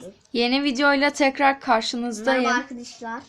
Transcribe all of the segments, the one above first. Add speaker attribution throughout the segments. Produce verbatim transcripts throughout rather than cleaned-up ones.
Speaker 1: Yeni videoyla tekrar karşınızdayım.
Speaker 2: Merhaba arkadaşlar.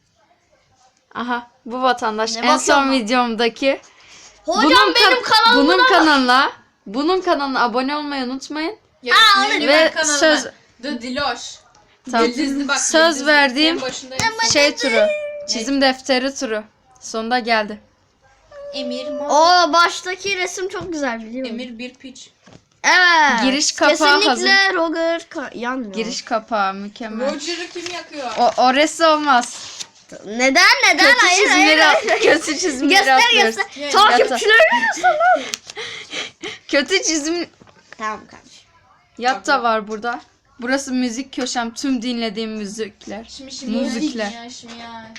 Speaker 1: Aha, bu vatandaş
Speaker 2: Ne
Speaker 1: en son
Speaker 2: bakıyorsun?
Speaker 1: videomdaki.
Speaker 2: Hocam
Speaker 1: bunun
Speaker 2: benim
Speaker 1: kan-
Speaker 2: kanalıma
Speaker 1: bunun
Speaker 2: da-
Speaker 1: kanalına, bunun kanalına abone olmayı unutmayın.
Speaker 3: Ya,
Speaker 2: Aa,
Speaker 3: sinirli
Speaker 1: ve
Speaker 3: ben kanalına.
Speaker 1: söz-
Speaker 3: The Diloş.
Speaker 1: Tam
Speaker 3: Yıldızlı bak.
Speaker 1: söz
Speaker 3: yıldızlı.
Speaker 1: verdiğim
Speaker 3: En başında
Speaker 1: şey turu. Çizim defteri turu. Sonunda geldi.
Speaker 3: Emir Ma-
Speaker 2: O baştaki resim çok güzel biliyor musun?
Speaker 3: Emir bir piç.
Speaker 2: Evet.
Speaker 1: Giriş kapağı
Speaker 2: Kesinlikle
Speaker 1: hazır.
Speaker 2: Roger ka- yanmıyor.
Speaker 1: Giriş kapağı mükemmel.
Speaker 3: Roger'ı kim yakıyor?
Speaker 1: O orası olmaz.
Speaker 2: Neden neden?
Speaker 1: Kötü
Speaker 2: hayır
Speaker 1: çizimleri,
Speaker 2: hayır.
Speaker 1: at- kötü çizimleri
Speaker 2: Göster
Speaker 1: atlıyoruz.
Speaker 2: göster.
Speaker 3: Yani-
Speaker 2: Takipçilerimi göster.
Speaker 1: Kötü çizim
Speaker 2: Tamam kardeşim.
Speaker 1: yat da var burada. Burası müzik köşem. Tüm dinlediğim müzikler.
Speaker 3: Şimdi şimdi
Speaker 1: Müzikler.
Speaker 3: Ya, şimdi ya.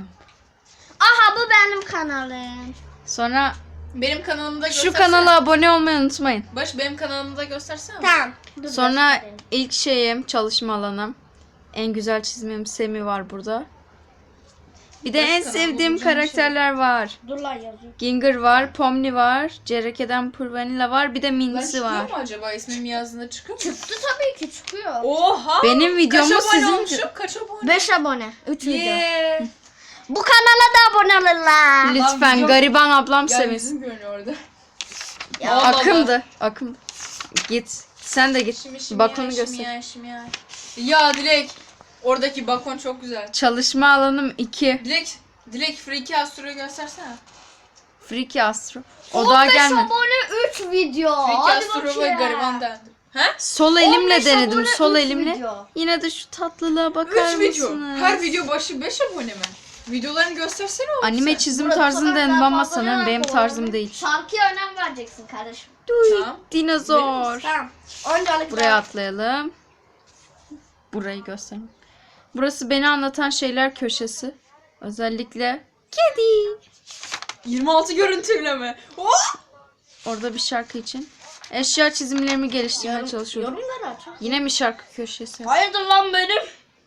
Speaker 2: Aha bu benim kanalım.
Speaker 1: Sonra
Speaker 3: Benim kanalımda
Speaker 1: şu
Speaker 3: göstersene.
Speaker 1: kanala abone olmayı unutmayın.
Speaker 3: Baş benim kanalımda göstersene.
Speaker 2: Tamam. Dur,
Speaker 1: Sonra
Speaker 2: göstereyim.
Speaker 1: ilk şeyim çalışma alanım. En güzel çizimim Semi var burada. Bir de
Speaker 3: Başka
Speaker 1: en
Speaker 3: kanal
Speaker 1: sevdiğim
Speaker 3: bulacağım
Speaker 1: karakterler var.
Speaker 2: Dur lan yazıyor.
Speaker 1: Ginger var, Pomni var, Cereke'den Purvanilla var, bir de
Speaker 3: Lan
Speaker 1: Mincy
Speaker 3: çıkıyor
Speaker 1: var.
Speaker 3: mu acaba? İsmim yazdığında çıkıyor mu?
Speaker 2: Çıktı tabii ki çıkıyor.
Speaker 3: Oha!
Speaker 1: Benim videomu
Speaker 3: Kaç abone
Speaker 1: sizin-
Speaker 3: olmuşum? Kaç abone?
Speaker 2: beş abone. üç video.
Speaker 3: Yeah.
Speaker 2: Bu kanala da abone olurlar.
Speaker 1: Lütfen
Speaker 3: video-
Speaker 1: gariban ablam
Speaker 3: Ya
Speaker 1: sevinsin.
Speaker 3: yüzüm görünüyor orada.
Speaker 2: Ya,
Speaker 3: Allah Allah.
Speaker 1: Akımdı, akım. Git. Sen de git.
Speaker 3: Şimdi şimdi
Speaker 1: Bakonu
Speaker 3: ya,
Speaker 1: göster.
Speaker 3: Şimdi ya, şimdi ya. Ya Dilek. Oradaki bakon çok güzel.
Speaker 1: Çalışma alanım iki.
Speaker 3: Dilek. Dilek Freaky Astro'yu göstersene.
Speaker 1: Freaky Astro. O daha
Speaker 2: on beş
Speaker 1: gelmedi.
Speaker 2: abone üç video.
Speaker 3: Freaky
Speaker 2: Hadi
Speaker 3: Astro ve
Speaker 2: bakayım.
Speaker 3: gariban dendi. He?
Speaker 1: Sol
Speaker 2: on
Speaker 1: elimle
Speaker 2: beş
Speaker 1: denedim.
Speaker 2: abone,
Speaker 1: Sol
Speaker 2: üç
Speaker 1: elimle.
Speaker 2: video.
Speaker 1: Yine de şu tatlılığa bakar
Speaker 3: üç video.
Speaker 1: mısınız?
Speaker 3: Her video başı beş abone mi? Videolarını göstersene oğlum
Speaker 1: Anime
Speaker 3: sen.
Speaker 1: çizim
Speaker 2: Burası
Speaker 1: tarzını
Speaker 2: kadar
Speaker 1: denedim
Speaker 2: daha
Speaker 1: ama
Speaker 2: fazla
Speaker 1: sanırım
Speaker 2: ne
Speaker 1: benim
Speaker 2: var?
Speaker 1: tarzım değil.
Speaker 2: Şarkıya önem vereceksin kardeşim.
Speaker 3: Tamam.
Speaker 1: Dinozor.
Speaker 2: Tamam. Öncelikle
Speaker 1: Buraya atlayalım. Burayı göstereyim. Burası beni anlatan şeyler köşesi. Özellikle kedi.
Speaker 3: yirmi altı görüntüyle mi? Oh!
Speaker 1: Orada bir şarkı için. Eşya çizimlerimi geliştirmeye çalışıyorum.
Speaker 2: Yorumları aç.
Speaker 1: Yine mi şarkı köşesi?
Speaker 2: Hayırdır lan benim?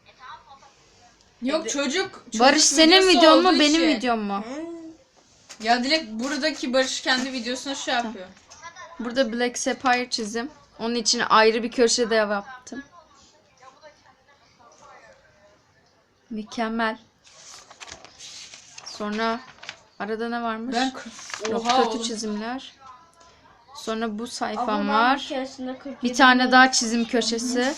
Speaker 3: Yok çocuk. çocuk
Speaker 1: Barış senin
Speaker 3: videosu
Speaker 1: videon mu
Speaker 3: olduğu
Speaker 1: benim
Speaker 3: için.
Speaker 1: videom mu?
Speaker 3: Ya Dilek buradaki Barış kendi videosunu şey yapıyor.
Speaker 1: Burada Black Sapphire çizim. Onun için ayrı bir köşede yaptım. Mükemmel. Sonra arada ne varmış?
Speaker 3: Ben
Speaker 1: Yok,
Speaker 3: Oha
Speaker 1: kötü
Speaker 3: oğlum.
Speaker 1: çizimler. Sonra bu sayfam
Speaker 2: Ama ben
Speaker 1: var.
Speaker 2: bir keresinde kırk
Speaker 1: Bir
Speaker 2: yedi
Speaker 1: tane
Speaker 2: bin-
Speaker 1: daha çizim köşesi.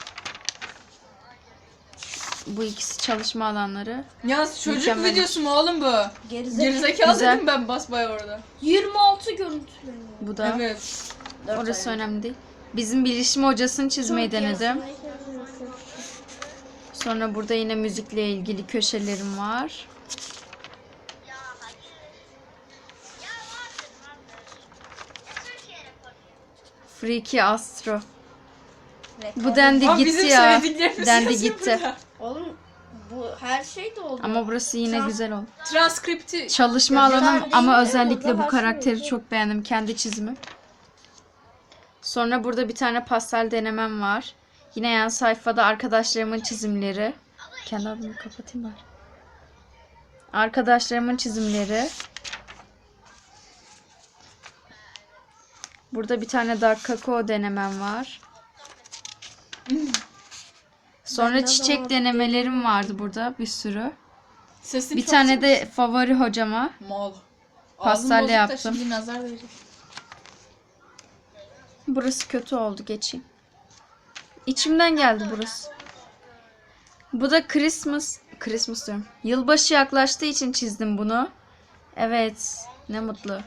Speaker 1: Bu ikisi çalışma alanları.
Speaker 3: Yalnız çocuk
Speaker 1: Mükemmel.
Speaker 3: videosu mu oğlum bu?
Speaker 2: Gerizekalı.
Speaker 3: Gerizekalı
Speaker 1: Güzel.
Speaker 3: dedim ben basbaya orada.
Speaker 2: yirmi altı görüntüleniyor.
Speaker 1: Bu da.
Speaker 3: Evet.
Speaker 1: Orası önemli değil. Bizim bilişim hocasını çizmeyi denedim. Sonra burada yine müzikle ilgili köşelerim var. Freaky Astro. Bu dendi
Speaker 3: Ama
Speaker 1: gitti
Speaker 3: bizim
Speaker 1: ya.
Speaker 3: söylediklerimiz
Speaker 1: Dendi
Speaker 3: yazıyor
Speaker 1: gitti.
Speaker 3: burada.
Speaker 2: Oğlum bu her şey de oldu.
Speaker 1: Ama burası yine
Speaker 2: Tamam.
Speaker 1: güzel oldu.
Speaker 3: Transkripti.
Speaker 1: Çalışma
Speaker 2: Ya,
Speaker 1: alanım
Speaker 2: güzel
Speaker 1: ama
Speaker 2: değil,
Speaker 1: özellikle
Speaker 2: orada
Speaker 1: bu
Speaker 2: her şey
Speaker 1: karakteri
Speaker 2: güzel.
Speaker 1: çok beğendim. Kendi çizimim. Sonra burada bir tane pastel denemem var. Yine yan sayfada arkadaşlarımın çizimleri. Kendi adımı kapatayım bari. Arkadaşlarımın çizimleri. Burada bir tane dark kakao denemem var. Sonra
Speaker 2: Bende de
Speaker 1: çiçek
Speaker 2: var.
Speaker 1: denemelerim vardı burada bir sürü.
Speaker 3: Sesin
Speaker 1: Bir
Speaker 3: çok
Speaker 1: tane
Speaker 3: sık-
Speaker 1: de favori hocama.
Speaker 3: Mal.
Speaker 1: Pastelle
Speaker 3: Ağzım bozuk da
Speaker 1: yaptım.
Speaker 3: Şimdi nazar verecek.
Speaker 1: Burası kötü oldu, geçeyim. İçimden geldi burası. Bu da Christmas. Christmas diyorum. Yılbaşı yaklaştığı için çizdim bunu. Evet. Ne mutlu.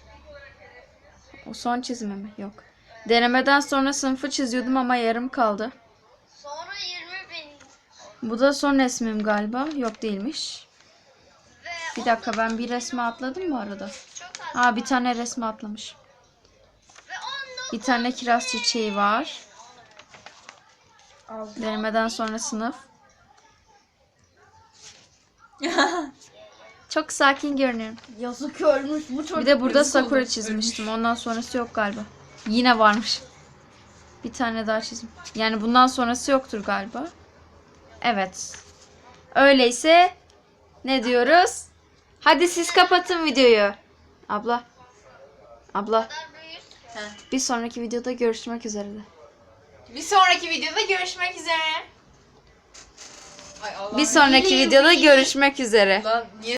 Speaker 1: O son çizimi mi? Yok. Denemeden sonra sınıfı çiziyordum ama yarım kaldı.
Speaker 2: Sonra yirmi bin.
Speaker 1: Bu da son resmim galiba. Yok, değilmiş. Bir dakika, ben bir resme atladım mı arada? Ha, bir tane resme atlamış. Bir tane kiraz çiçeği var. Denemeden sonra sınıf. Çok sakin görünüyorum.
Speaker 2: Yazık ölmüş bu çocuk.
Speaker 1: Bir de burada
Speaker 3: Yazık oldu,
Speaker 1: sakura
Speaker 3: ölmüş.
Speaker 1: çizmiştim. Ondan sonrası yok galiba. Yine varmış. Bir tane daha çizim. Yani bundan sonrası yoktur galiba. Evet. Öyleyse ne diyoruz? Hadi siz kapatın videoyu. Abla. Abla.
Speaker 3: He.
Speaker 1: Bir sonraki videoda görüşmek üzere de.
Speaker 3: Bir sonraki videoda görüşmek üzere. Ay Allah'ım,
Speaker 1: Bir sonraki
Speaker 3: iyiyim,
Speaker 1: videoda
Speaker 3: iyiyim.
Speaker 1: görüşmek üzere.
Speaker 3: Lan niye